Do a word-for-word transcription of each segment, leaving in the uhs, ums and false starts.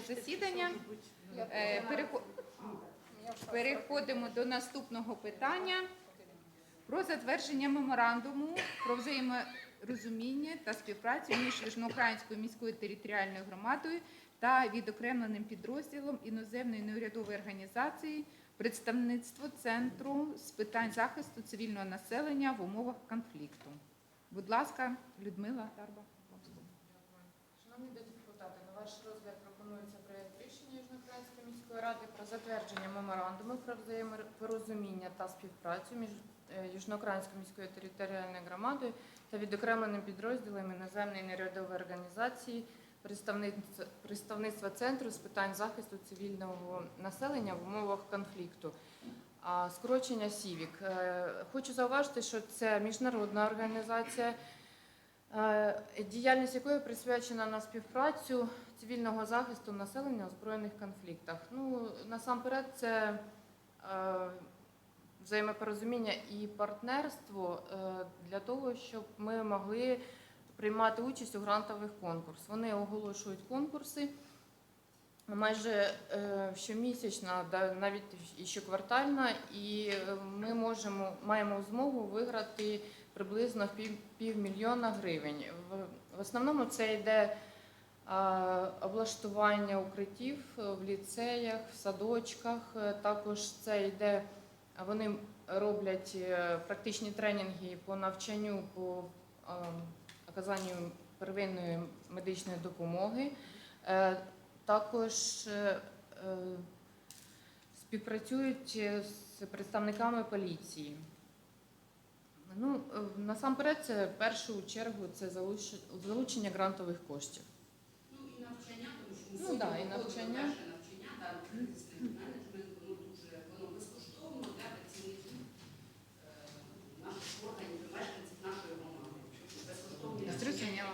засідання. Е, перехо- Переходимо до наступного питання про затвердження меморандуму про взаєморозуміння та співпрацю між Южноукраїнською міською територіальною громадою та відокремленим підрозділом іноземної неурядової організації представництво Центру з питань захисту цивільного населення в умовах конфлікту. Будь ласка, Людмила Тарба. Шановні депутати, на ваш розгляд пропонується проєкт рішення Южноукраїнської міської ради про затвердження меморандуму про взаємопорозуміння та співпрацю між Южноукраїнською міською територіальною громадою та відокремленим підрозділом іноземної неурядової організації представництва, представництва Центру з питань захисту цивільного населення в умовах конфлікту. А скорочення СІВІК. Хочу зауважити, що це міжнародна організація, діяльність якої присвячена на співпрацю цивільного захисту населення у збройних конфліктах. Ну, насамперед, це е, взаємопорозуміння і партнерство е, для того, щоб ми могли приймати участь у грантових конкурсах. Вони оголошують конкурси майже е, щомісячно, навіть і щоквартально, і ми можемо, маємо змогу виграти приблизно пів, півмільйона гривень. В, в основному це йде а, облаштування укриттів в ліцеях, в садочках. Також це йде, вони роблять практичні тренінги по навчанню, по а, оказанню первинної медичної допомоги. Е, також е, співпрацюють з представниками поліції. Ну, насамперед, це в першу чергу це залучення грантових коштів. Ну і навчання, тому що ну, да, і навчання. навчання, да, кризисний менеджмент, воно дуже воно безкоштовно для працівників е, наших органів, мешканців нашої громади. Безкоштовні Зрозуміло.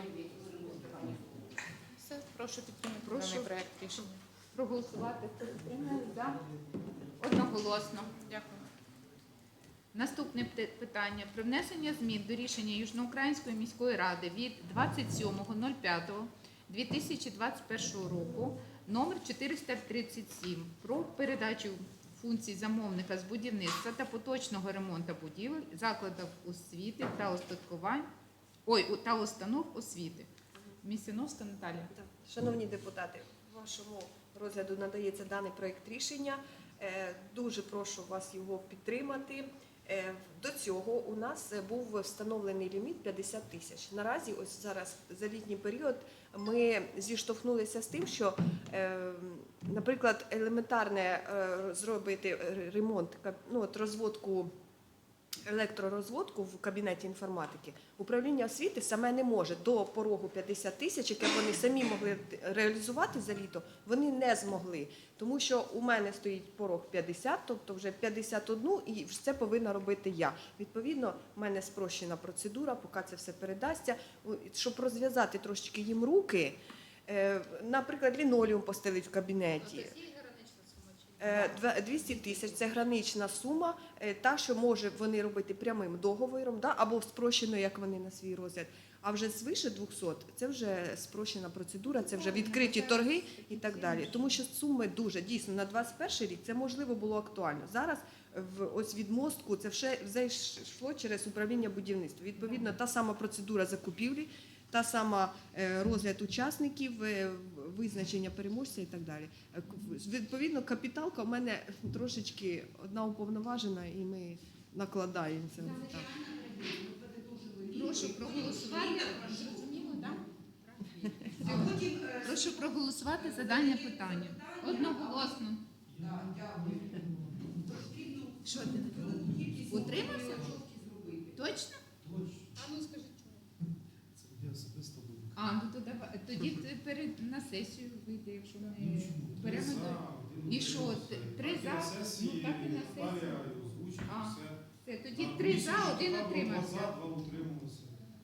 Все, прошу підтримати Прошу. даний проект рішення. Проголосувати. Хто підтримує? За. Одноголосно. Дякую. Наступне питання про внесення змін до рішення Южноукраїнської міської ради від двадцять сьомого п'ятого дві тисячі двадцять першого року номер чотириста тридцять сім про передачу функцій замовника з будівництва та поточного ремонту будівель, закладів освіти та устаткувань, ой, та установ освіти. Місіновська Наталія. Шановні депутати, вашому розгляду надається даний проєкт рішення. Дуже прошу вас його підтримати. До цього у нас був встановлений ліміт п'ятдесят тисяч. Наразі, ось зараз за літній період, ми зіштовхнулися з тим, що, наприклад, елементарне зробити ремонт, ну, от розводку, електророзводку в кабінеті інформатики, управління освіти саме не може до порогу п'ятдесят тисяч, яке вони самі могли реалізувати за літо, вони не змогли. Тому що у мене стоїть порог п'ятдесят, тобто вже п'ятдесят один, і це повинна робити я. Відповідно, в мене спрощена процедура, поки це все передасться, щоб розв'язати трошечки їм руки, наприклад, лінолеум постелить в кабінеті. двісті тисяч – це гранична сума, та, що може вони робити прямим договором, да, або спрощено, як вони на свій розгляд. А вже свише двохсот – це вже спрощена процедура, це вже відкриті торги і так далі. Тому що суми дуже, дійсно, на двадцять перший рік це, можливо, було актуально. Зараз в, ось від мостку це все, все йшло через управління будівництва. Відповідно, та сама процедура закупівлі, та сама розгляд учасників, визначення переможця і так далі. Відповідно, капіталка в мене трошечки одна уповноважена, і ми накладаємо це. Прошу проголосувати. Зрозуміло, так? Прошу проголосувати за дане питання. Одноголосно. Що ти? Утримався? Точно? А ну скажіть, чому? Це я особисто буду. А, ну то давай. Тоді ти перед на сесію вийде, якщо ми беремо. І що, три за? Ну так і на сесію. А, все, тоді три за, один утримався. Два за, два утрималися.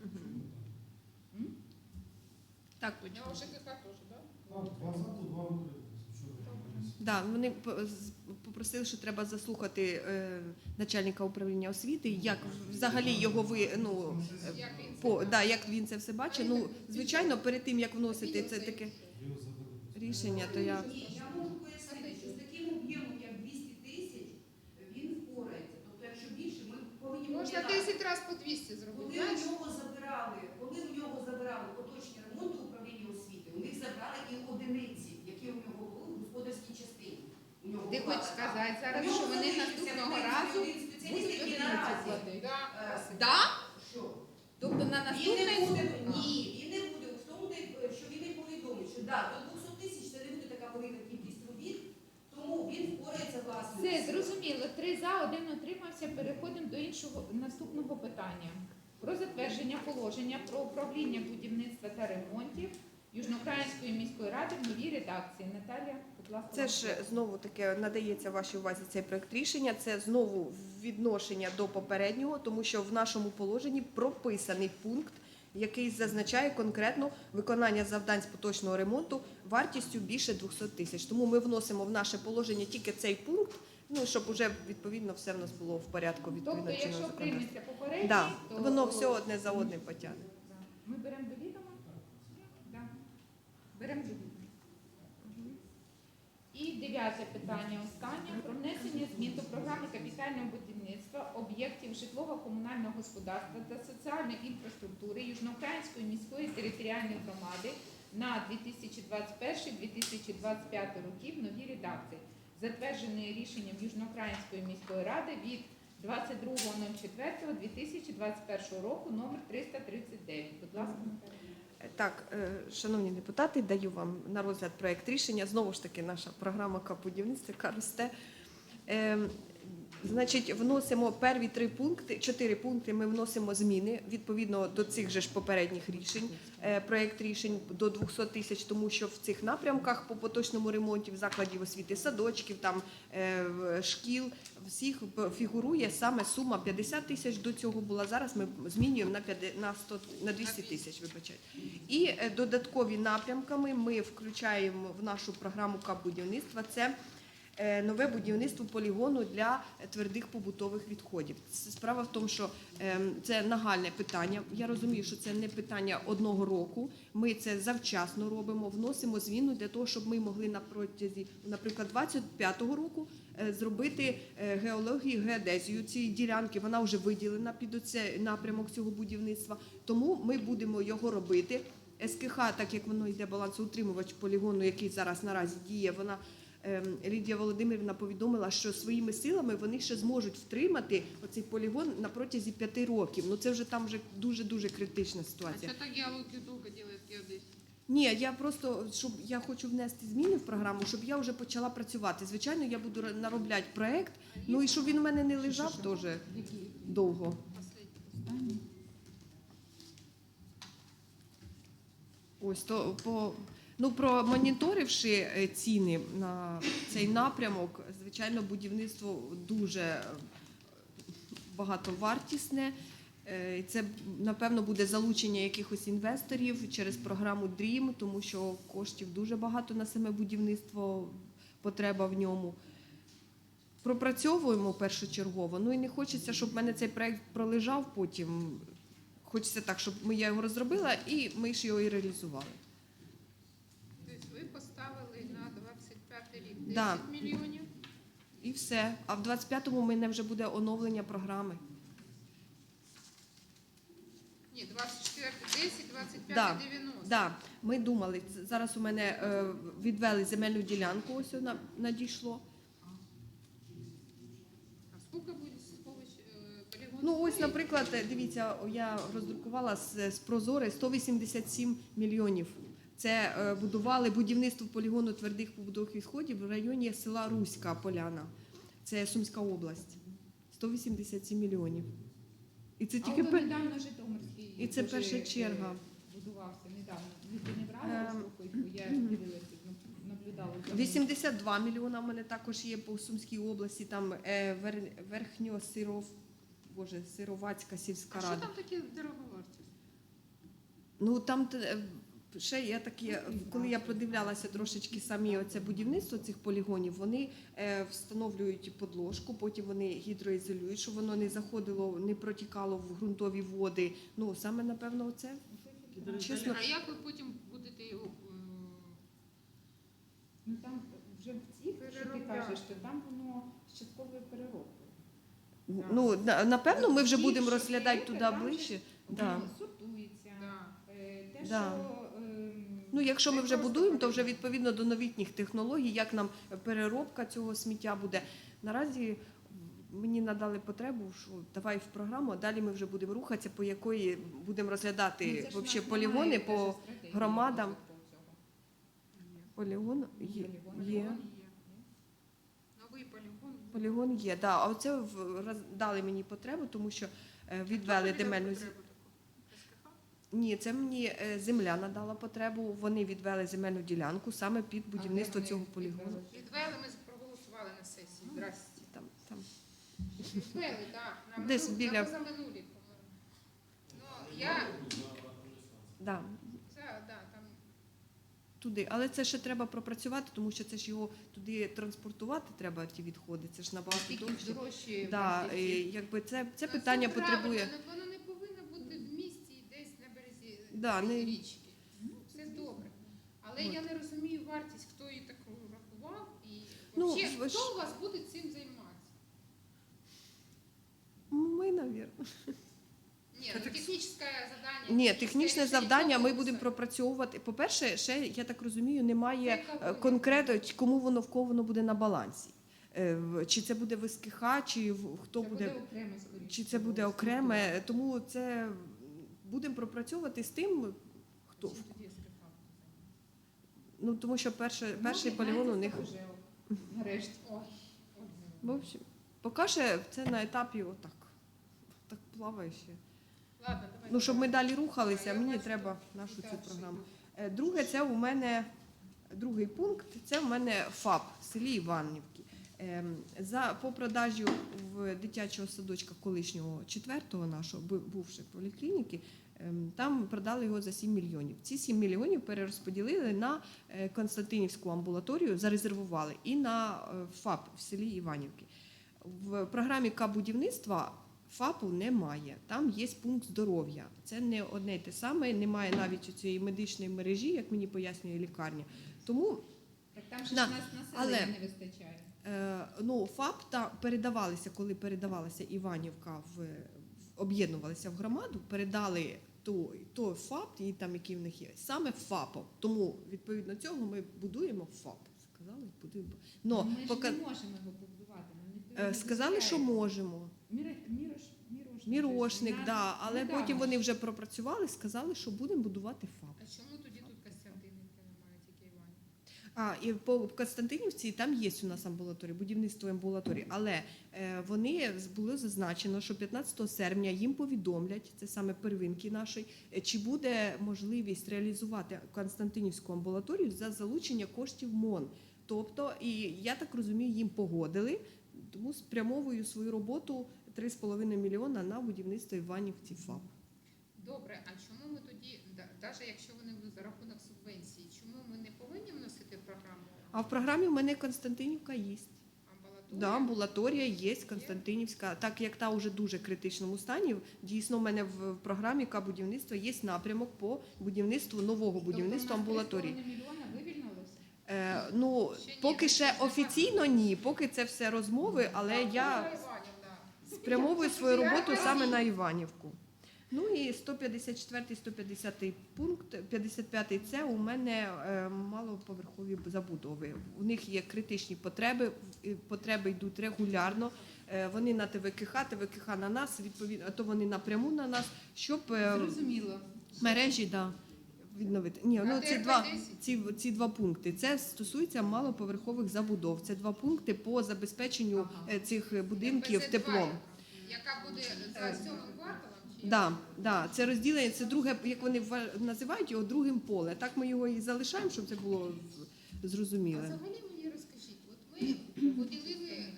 Так, Я точно. вже ЖКХ теж, так? Так, два за, то два утрималися. Да, вони попросили, що треба заслухати е, начальника управління освіти, як взагалі його ви, ну, по, да, як він це все бачить. Ну, звичайно, перед тим, як вносити це таке рішення, то я Ні, я можу пояснити, що з таким об'ємом, як двісті тисяч, він впорається. Тобто, якщо більше, ми повинні Можна пам'ятати, десять разів по двісті зробити. коли знаєш? у нього забирали, коли у нього забирали поточні ремонти управління освіти, у них забрали і одиниці, які у нього були в господарській частині. У нього Ти була хочеш така. сказати У зараз, нього що вони залишився, наступного в принципі, разу один спеціаліст, будуть який одиниці наразі, платити? е, Да? Що? Тобто на Він не наступний буде, суд? ні, він не буде. В тому, де- що він не повідомить, що да, до двохсот тисяч це не буде така велика кількість робіт, тому він впорається власним. Все, зрозуміло. Три за, один утримався. Переходимо до іншого наступного питання. Про затвердження положення про управління будівництва та ремонтів Южноукраїнської міської ради в новій редакції. Наталія, будь ласка. це ж знову таки надається вашій увазі цей проект рішення. Це знову відношення до попереднього, тому що в нашому положенні прописаний пункт, який зазначає конкретно виконання завдань з поточного ремонту вартістю більше двохсот тисяч. Тому ми вносимо в наше положення тільки цей пункт, ну щоб уже відповідно все в нас було в порядку відповідно Тобто, чинного якщо законодавства. прийметься попередній, Да, то воно все одне за одним потягне. Да. Ми беремо до відома? Да. Беремо до відома. І дев'яте питання останнє. Про внесення змін до програми капітального будівництва об'єктів житлово-комунального господарства та соціальної інфраструктури Южноукраїнської міської територіальної громади на дві тисячі двадцять перший - дві тисячі двадцять п'ятий роки в новій редакції, затвердженої рішенням Южноукраїнської міської ради від двадцять другого четвертого дві тисячі двадцять першого року номер триста тридцять дев'ять. Будь ласка, Наталія. Так, е, шановні депутати, даю вам на розгляд проект рішення. Знову ж таки, наша програма «Капбудівництво», яка росте. Е, Значить, вносимо перві три пункти, чотири пункти. Ми вносимо зміни відповідно до цих же ж попередніх рішень. Е, Проект рішень до двохсот тисяч, тому що в цих напрямках по поточному ремонті в закладів освіти, садочків, там е, в- шкіл всіх фігурує саме сума п'ятдесят тисяч. До цього була. Зараз ми змінюємо на п'ятдесят на сто на двісті тисяч. Вибачайте. І е, додаткові напрямками ми включаємо в нашу програму «Капбудівництва». Це е, нове будівництво полігону для твердих побутових відходів. С- Справа в тому, що е, це нагальне питання. Я розумію, що це не питання одного року. Ми це завчасно робимо, вносимо зміну для того, щоб ми могли на протязі, наприклад, двадцять п'ятого року е, зробити е, геологію, геодезію цієї ділянки. Вона вже виділена під оцей напрямок цього будівництва. Тому ми будемо його робити. ес ке ха, так як воно йде балансоутримувач полігону, який зараз наразі діє, вона ем, Лідія Володимирівна повідомила, що своїми силами вони ще зможуть втримати оцей полігон на протязі п'яти років. Ну це вже там вже дуже-дуже критична ситуація. А что так геологию долго делает геодезия? Ні, я просто щоб я хочу внести зміни в програму, щоб я вже почала працювати. Звичайно, я буду наробляти проект, ну і щоб він у мене не лежав теж довго. Последний. Ось то по ну промоніторивши е, ціни на цей напрямок, звичайно, будівництво дуже е, багатовартісне. Е, Це напевно буде залучення якихось інвесторів через програму дрім, тому що коштів дуже багато на саме будівництво, потреба в ньому. Пропрацьовуємо першочергово. Ну і не хочеться, щоб в мене цей проект пролежав потім. Хочеться так, щоб ми я його розробила і ми ж його і реалізували. То есть вы поставили на двадцять п'ятий рік десять Да. мільйонів. І все. А в двадцять п'ятому у мене вже буде оновлення програми. Ні, двадцять четвертий десять, двадцять Да. п'ятий дев'яносто. Да, ми думали, ц- зараз у мене е, відвели земельну ділянку, ось вона надійшло. А сколько буде сховищ е, полігон? Ну ось, стоїть? наприклад, е, дивіться, о, я роздрукувала з, з Прозори сто вісімдесят сім мільйонів. Це е, будували будівництво полігону твердих побутових відходів в районі села Руська Поляна. Це Сумська область. сто вісімдесят сім мільйонів. І це А тільки от пер... недавно Житомирський І це дуже, перша е, черга. будувався недавно. Ви не брали Ем, слухайте, я дивилася, наблюдала. за ним. вісімдесят два мільйона в мене також є по Сумській області, там е, вер, Верхньосиров, Боже, Сировацька сільська А що рада. там таке дороговартість? Ну там те, е, ще я такі, коли я продивлялася трошечки самі оце будівництво цих полігонів, вони е, встановлюють подложку, потім вони гідроізолюють, щоб воно не заходило, не протікало в ґрунтові води. Ну саме напевно, оце. Чесно. А як ви потім будете його Ну там вже в цих, що ти Переробляти. кажеш, то там воно з частковою переробкою. Ну, на- напевно, ми вже Ті, будемо що розглядати є, туди там же ближче. Да. Воно сортується. Да. Е, Те, Да. що ем, Ну, якщо ми не вже просто будуємо, то потрібно. вже відповідно до новітніх технологій, як нам переробка цього сміття буде. Наразі мені надали потребу, що давай в програму, а далі ми вже будемо рухатися, по якої будемо Ну, розглядати це ж в вообще нас полігони немає по даже стратегії громадам. розвитку цього. Полігон є. Полігон є. Є. Новий полігон. Полігон є, да. А оце в- роз- дали мені потребу, тому що е, відвели земельну зі- Ні, це мені е, земля надала потребу. Вони відвели земельну ділянку саме під будівництво А де цього вони полігону. відвели? Відвели, ми проголосували на сесії. Здрасте. Там, там. Відвели, так. На Десь минулі- біля- на позаминулі, по-моєму. Ну, я... Да, За, да, там... туди. Але це ще треба пропрацювати, тому що це ж його туди транспортувати треба, ті відходи. Це ж набагато Скільки довше. дорожче Да, вартість. і, якби це, це Ну, питання правильно, потребує. ну, Воно не повинно бути в місті і десь на березі Да, цієї не- річки. Ну, це добре. Але От. я не розумію вартість, хто її так рахував. І Ну, вообще, ви ж- хто у вас буде цим займатися? Ми, навірно. Ні, ну, технічне завдання. Ні, технічне рішення завдання ми конкурсу. будемо пропрацьовувати. По-перше, ще, я так розумію, немає Це яка е, буде? конкретно, чи кому воно, в кого воно буде на балансі. Е, в- Чи це буде ВСКХ, чи в- хто Це буде, окремо, скоріше. чи це буде окреме. Тому це будемо пропрацьовувати з тим, хто. Чим тоді СКХ буде Ну, тому що перше, займатися? перший Ну, полігон у них. вже нарешті. Ой, ой. В общем, поки ще це на етапі отак. Так плаває ще. Ладно, давай. Ну, щоб ми далі рухалися, Я мені бачу, треба тут нашу і цю далі програму. йдуть. Е, Друге, це у мене другий пункт. Це у мене ФАП в селі Іванівки. Ем, За по продажу в дитячого садочка колишнього четвертого нашого бу- бувшої поліклініки. ем, Там продали його за сім мільйонів. Ці сім мільйонів перерозподілили на е, Константинівську амбулаторію, зарезервували і на е, ФАП в селі Іванівки. В програмі К-будівництва ФАПу немає. Там є пункт здоров'я. Це не одне й те саме, немає навіть цієї медичної мережі, як мені пояснює лікарня. Тому Так там же Да, ж нас але- населення не вистачає. е, ну, ФАП та передавалися, коли передавалася Іванівка в, в об'єднувалися в громаду, передали той, той ФАП, і там який в них є, саме ФАПом. Тому відповідно цього ми будуємо ФАП. Сказали, будуємо. Но ми ж поки не можемо його побудувати. Нам ніхто е, не сказали, що дозволяє. можемо. Міро- Мірош, мірошник. Мірошник, же ж, да, але недавно потім ж. вони вже пропрацювали, сказали, що будемо будувати ФАП. А чому тоді тут Костянтинівки немає, тільки Іванів? А і по Константинівці там є у нас амбулаторії, будівництво амбулаторії, але е, вони було зазначено, що п'ятнадцятого серпня їм повідомлять, це саме первинки нашої, е, чи буде можливість реалізувати Константинівську амбулаторію за залучення коштів МОН. Тобто, і я так розумію, їм погодили, тому спрямовую свою роботу три з половиною мільйона на будівництво Іванівці ФАП. Добре, а чому ми тоді, навіть якщо вони будуть за рахунок субвенції, чому ми не повинні вносити в програму А в програмі в мене Константинівка є. амбулаторію? Да, амбулаторія є Константинівська, так як та вже дуже критичному стані. Дійсно, в мене в програмі К-будівництва є напрямок по будівництву нового будівництва Тобто у нас амбулаторії. три з половиною мільйона вивільнилося? Е, ну Ще ні, поки це ще ж нема. офіційно ні, поки це все розмови, але Так, я Іванів, да. спрямовую свою роботу саме на Іванівку. Ну і сто п'ятдесят четвертий, сто п'ятдесятий пункт, п'ятдесят п'ятий це у мене е, малоповерхові забудови. У них є критичні потреби, і потреби йдуть регулярно. Е, вони на ТВКХ, ТВКХ на нас, відповідно, а то вони напряму на нас, щоб е, Зрозуміло. мережі да, відновити. Ні, А ну де ці два, десять? ці, ці два пункти. Це стосується малоповерхових забудов. Це два пункти по забезпеченню Ага. е, цих будинків ем пе зет два, теплом. яка буде за сьомим кварталом? Чи Да, да, це розділення, це друге, як вони ва- називають його другим поле. Так ми його і залишаємо, щоб це було А зрозуміло. взагалі мені розкажіть, от ми поділили е,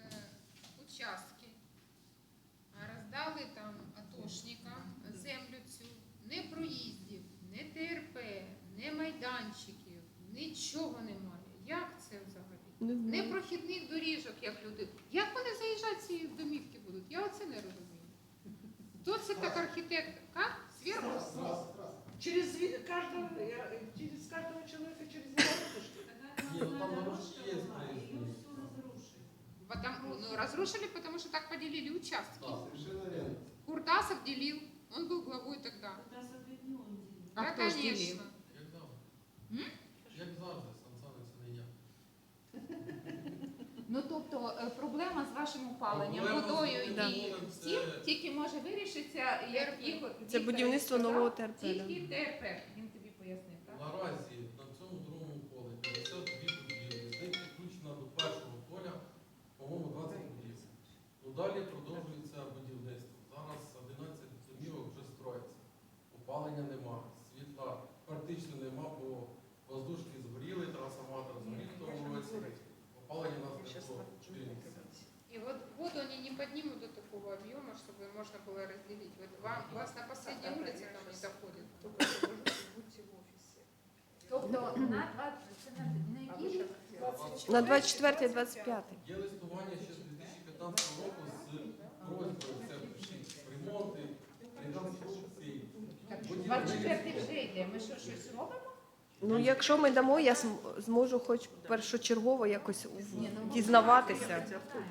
участки, а роздали там атошникам землю цю, не проїздів, не Те Ер Пе, не майданчиків, нічого немає. Як це взагалі? Не Не знаю. прохідних доріжок, як люди. Як вони заїжджати в ці домівки будуть? Я оце не розумію. Хто це так архітектор? Как? Зверху? Через ви- каждого, э, через каждого человека, через его ратушки. ну там нарушки є проїзд. Потому, ну, разрушили, потому что так поделили участки. Так, совершенно верно. Куртасов делил, он был главой тогда. А Да, хто ж конечно. ділив? Як завжди. М? Як завжди, Сан Саныч, це не я. Ну тобто е, проблема з вашим опаленням, Проблема з водою і водою це- всім тільки може вирішитися, як їх Це будівництво нового Т Р П. да. Тільки Т Р П. Він тобі пояснив, так? Наразі на цьому другому полі п'ятдесят дві будівлі. З них підключено до першого поля, по-моєму, двадцять будівель. Ну далі продовжується будівництво. Зараз одинадцять домівок вже строїться. Опалення нема, світла практично нема, бо воздушки згоріли, трансформатор згорів в тому році. Опалення у нас не було чотири місяці. И вот воду они не поднимут до такого объема, чтобы можно было разделить. Вот вам, у вас на последней улице там не доходит. Тобто на двадцять, це на, на який рік? На двадцять четвертий двадцять п'ятий. Є листування ще з дві тисячі п'ятнадцятого року з просьбою це ремонти, реконструкції. Так, двадцять четвертий вже йде. Ми що, щось робимо? Ну, якщо ми дамо, я зм- зможу хоч першочергово якось в- дізнаватися.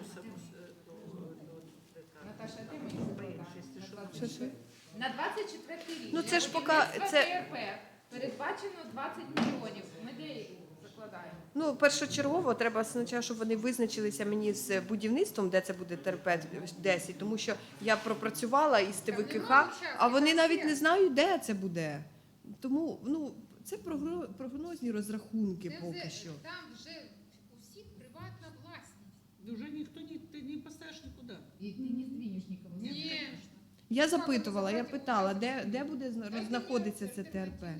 Наташа, де мої запитання? Що, що? На двадцять четвертий рік. Ну, для це ж поки- будівництва це- Т Р П передбачено двадцять мільйонів. Ми де їх закладаємо? Ну, першочергово треба спочатку, щоб вони визначилися мені з будівництвом, де це буде Т Р П десять, тому що я пропрацювала із Т В К Х, а вони навіть не знають, де це буде. Тому, ну, це прогро- прогнозні розрахунки Це поки вже- що. Там вже у всіх приватна власність. Уже никто не, ты не поставишь никуда. І ти не здвинеш нікого. Ні. Я запитувала, я питала, де, де буде зна- знаходитися це Т Р П.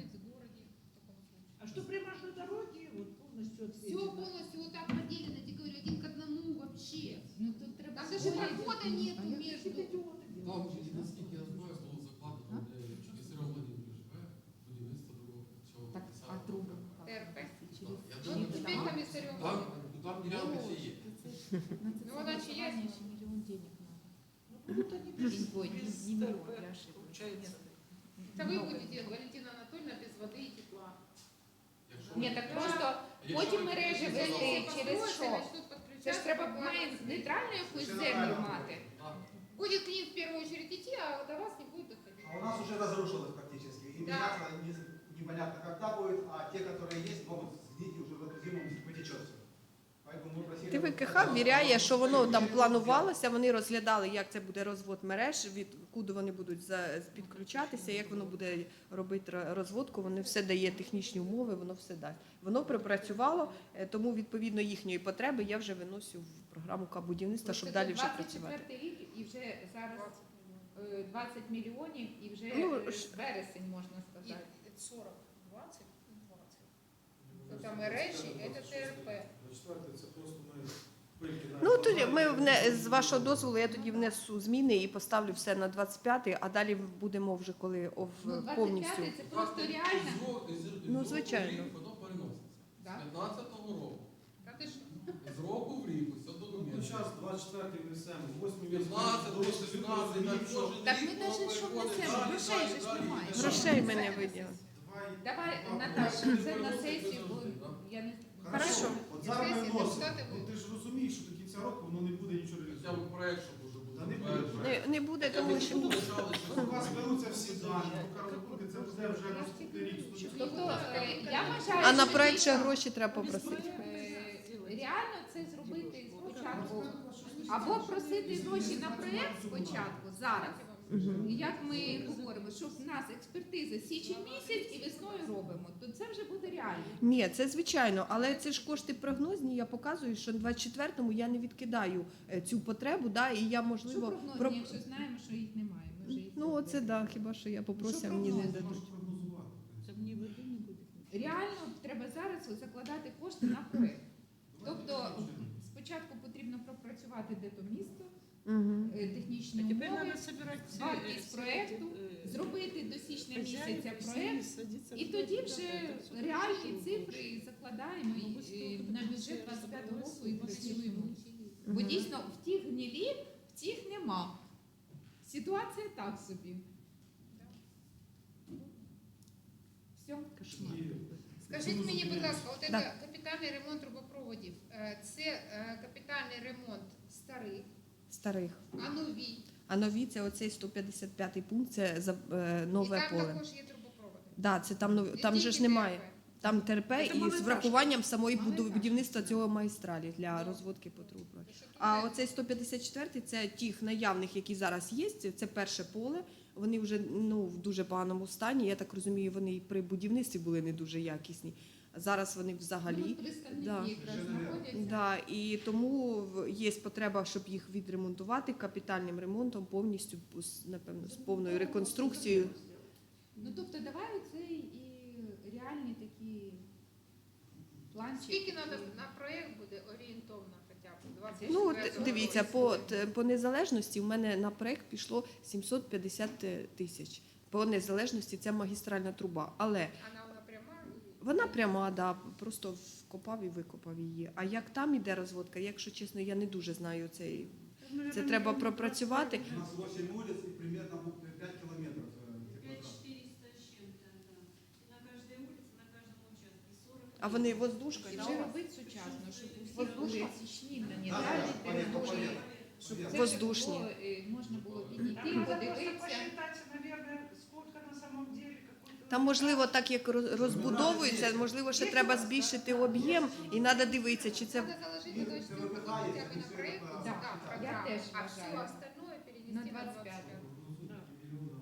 А что прямо на дороге, вот полностью Все отведено. полностью вот так поделено, я говорю, один к одному вообще. Ну тут треба. Там даже прохода нету А я между. какие-то идиоты Там, делают. наскільки я знаю, було закладено для Чудесером Владимирович живе, будівництво другого цього. Так, а десятого. труби? Т Р П. Через Я Ну, думаю, теперь там- комиссарем. Там, ну, там ділянки всі є. Ну, вона чи є? Ще мільйон денег надо. Ну, вот они без, Ой, не- без не миллион, ТРП, я ошиблась. получается. Это вы будете, Валентина Анатольевна, без воды и тепла. Якщо Ні, ми- так просто якщо потім ми мережі підключимо вести зараз- через що? Начнут Це подключаться, ж треба пока- має нейтральну якусь землю мати. Так. Будет к ним в первую очередь идти, а до вас не будет доходить. А у нас уже разрушилось практически. И Да. меняться не- непонятно когда будет, а те, которые есть, могут сгнить и уже в эту зиму потечет все. Поэтому мы просили... Т В К Х ввіряє, що воно там планувалося, вони розглядали, як це буде розвод мереж, від куди вони будуть за- підключатися, як воно буде робити ро- розводку, вони все дає технічні умови, воно все дасть. Воно припрацювало, е, тому відповідно їхньої потреби я вже виносю в програму К-будівництва, щоб далі вже працювати. двадцять четвертий рік і вже зараз е, двадцять мільйонів і вже Ну, е, ж- вересень, можна И сказати. сорок, двадцать, двадцать. Это мережі, это Т Р П. Четверте, це просто ми пильки на Ну тоді ми вне, з вашого дозволу я тоді внесу зміни і поставлю все на двадцять п'ятий, а далі будемо вже коли ов, Ну, повністю. двадцять п'ятий це просто Із реально. ро- із- із Ну, року в звичайно. рік Воно переноситься. З Да. п'ятнадцятого року. Та ти що? З року в рік, ось до Ну, зараз двадцять четвертий внесемо, восьмий п'ятнадцятого, шістнадцятого, Так ми навіть що внесемо, грошей же ж немає. Грошей ми не виділимо. Давай, Наташа, це на сесію, бо я не Хорошо. От зараз ми Сесії вносимо. депутати Ну, ти ж розумієш, що до кінця року воно не буде нічого Хоча реалізовано. б проект, щоб уже буде. Та не буде затверджений. Не, не буде, Хоча б тому що почали, що У вас беруться всі дані, поки розрахунки, це буде вже наступний рік. Тобто е, я вважаю, а на що проект ще дійсно, гроші треба попросити. е, реально це зробити спочатку. Або просити гроші на проєкт спочатку, зараз. І як ми говоримо, що в нас експертиза січень місяць і весною робимо, то це вже буде реально. Ні, це звичайно, але це ж кошти прогнозні. Я показую, що в двадцять четвертому я не відкидаю е, цю потребу, да, і я Що можливо прогнозні, про- якщо знаємо, що їх немає? Ми вже їх ну оце зробили. да, хіба що я попрося, Що мені не прогноз? дадуть. Там ни воды не будет. Реально треба зараз закладати кошти на проєкт. Тобто спочатку потрібно пропрацювати де то місто, Угу. е, технічні А теперь умови, надо собирать все, вартість все проекту, эти, э, зробити до січня хозяев, місяця все проєкт, садиться і в тоді куда-то, вже это всё реальні хорошо цифри будет. закладаємо Ну, і, ми е, стільки на тут бюджет все двадцять п'ятого року і розбралися, працюємо. і Бо дійсно в тих гнилі, в тих нема. Ситуація так собі. Все. Кошмар. Скажіть мені, будь ласка, от Да. це капітальний ремонт трубопроводів, е, це е, капітальний ремонт старих, Старих. а нові? А нові це оцей сто п'ятдесят п'ятий пункт, це за е, нове І там поле. також є трубопроводи. Да, це там нові, Не там же тільки ж немає. ТРП. Там ТРП Це і з малоетажки. врахуванням самої буду- Малоетажки. будівництва цього магістралі для розводки по трубах. Тому що тут А є- оцей сто п'ятдесят четвертий це тих наявних, які зараз є. Це перше поле. Вони вже ну в дуже поганому стані. Я так розумію, вони і при будівництві були не дуже якісні. А зараз вони Ну, взагалі. от представники Да. якраз Вже, знаходяться. Да, і тому в- є потреба, щоб їх відремонтувати капітальним ремонтом, повністю з- напевно з повною реконструкцією. Ну тобто давай оцей і реальні такі планчики. Скільки надо на проєкт буде орієнтовно хоча б? двадцять Ну от четвертого дивіться, року? по т- по незалежності в мене на проект пішло сімсот п'ятдесят тисяч. По незалежності це магістральна труба, але Вона вона пряма? і- вона пряма, да, просто вкопав і викопав її. А як там іде розводка, якщо чесно, я не дуже знаю цей. Це треба пропрацювати. У нас восемь улиц и примерно пять километров. э, пять теплотрасс. четыреста с чем-то, да. И на каждой улице, на каждом участке сорок. А вони воздушка, І да? вже робити сучасно, щоб у всіх були січні Да, дані, да, далі понятно, території, понятно. щоб Понятно. це Воздушні. було, е, можна було підійти, Надо просто подивитися. посчитать, наверное, сколько на самом деле какой-то... Там, можливо, так як роз- розбудовується, можливо, ще треба збільшити об'єм, і треба дивитися, чи це Надо заложить эту штуку хотя бы на проект, Да, да, я программу, теж а все вважаю. остальное перенести На на двадцять двадцать п'ятий. пятый.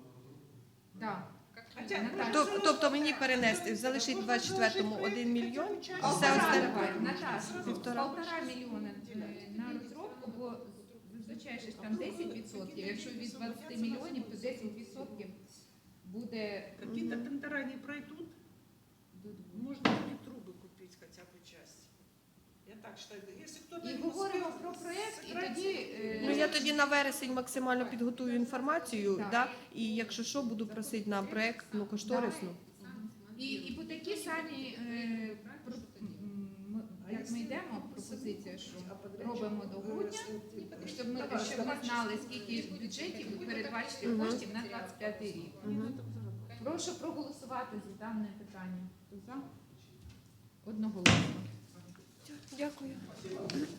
Да. Как Хотя, Наталя. Тоб- тобто мені перенести, залишити в двадцять четвертому один мільйон, і все Полтора остальне. давай, Наташа, Півтора. полтора мільйона е, на розробку, бо зазвичай ж там десять відсотків. Якщо від двадцяти мільйонів, то десять відсотків буде Какие-то тендера не пройдут, до двох. можно будет трубы купить хотя бы часть. Я так считаю. Если кто-то І не говоримо успел про проєкт, і сыграть, тоді е, Ну я тоді на вересень максимально підготую інформацію, Так. да, і якщо що, буду просити на проектну кошторисну. І, і по такі самі, е, про, м, м, як ми йдемо, пропозиція, що робимо до грудня, щоб ми, щоб ми знали, скільки в бюджеті передбачити Мгм. коштів на двадцять п'ятий рік. Мгм. Прошу проголосувати за дане питання. Хто за? Одноголосно. Дякую.